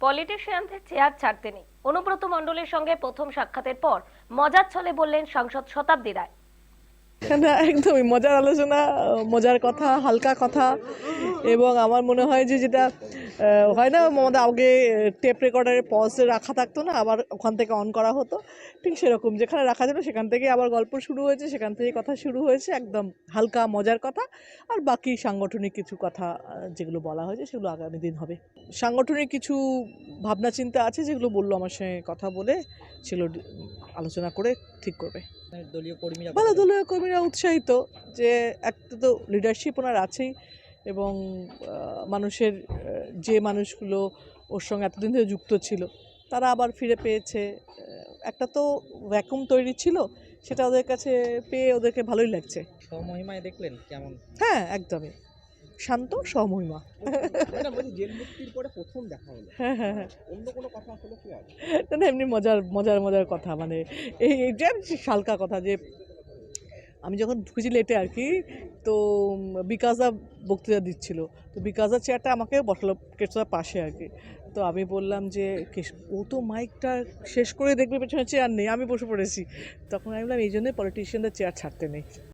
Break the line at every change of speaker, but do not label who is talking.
পলিটিশিয়ানদের chair ছাড়তে নেই। অনুব্রত মণ্ডলের সঙ্গে প্রথম সাক্ষাতের পর মজার ছলে বললেন সাংসদ শতাব্দী রায়।
না, একদমই মজার আলোচনা, মজার কথা, হালকা কথা। এবং আমার মনে হয় যে যেটা হয় না, আমাদের আগে টেপ রেকর্ডারে পজে রাখা থাকতো না, আবার ওখান থেকে অন করা হতো, ঠিক সেরকম যেখানে রাখা যেত সেখান থেকে আবার গল্প শুরু হয়েছে, সেখান থেকে কথা শুরু হয়েছে, একদম হালকা মজার কথা। আর বাকি সাংগঠনিক কিছু কথা যেগুলো বলা হয়েছে সেগুলো আগামী দিন হবে। সাংগঠনিক কিছু ভাবনা চিন্তা আছে যেগুলো বললো আমার সঙ্গে কথা বলে, সেগুলো আলোচনা করে ঠিক করবে।
দলীয় কর্মীরা
ভালো, দলীয় কর্মীরা উৎসাহিত যে একটা তো লিডারশিপ ওনার আছেই, এবং মানুষের যে মানুষগুলো ওর সঙ্গে এতদিন ধরে যুক্ত ছিল তারা আবার ফিরে পেয়েছে। একটা তো ভ্যাকুম তৈরি ছিল, সেটা ওদের কাছে পেয়ে ওদেরকে ভালোই লাগছে।
স্বমহিমায় দেখলেন কেমন?
হ্যাঁ, একদমই শান্ত স্বমহিমা।
জেল মুক্তির পরে প্রথম দেখা হলো।
হ্যাঁ, হ্যাঁ, হ্যাঁ।
অন্য কোনো কথা হলো কি আর?
না, এমনি মজার মজার মজার কথা, মানে এইটা হালকা কথা যে আমি যখন ঢুকেছি লেটে আর কি, তো বিকাশদা বক্তৃতা দিচ্ছিল, তো বিকাশদার চেয়ারটা আমাকে বসালো কেষ্টদার পাশে আর কি। তো আমি বললাম যে ও তো মাইকটা শেষ করে দেখবে পেছনে চেয়ার নেই, আমি বসে পড়েছি। তখন আমি বললাম এই জন্যই পলিটিশিয়ানদের চেয়ার ছাড়তে নেই।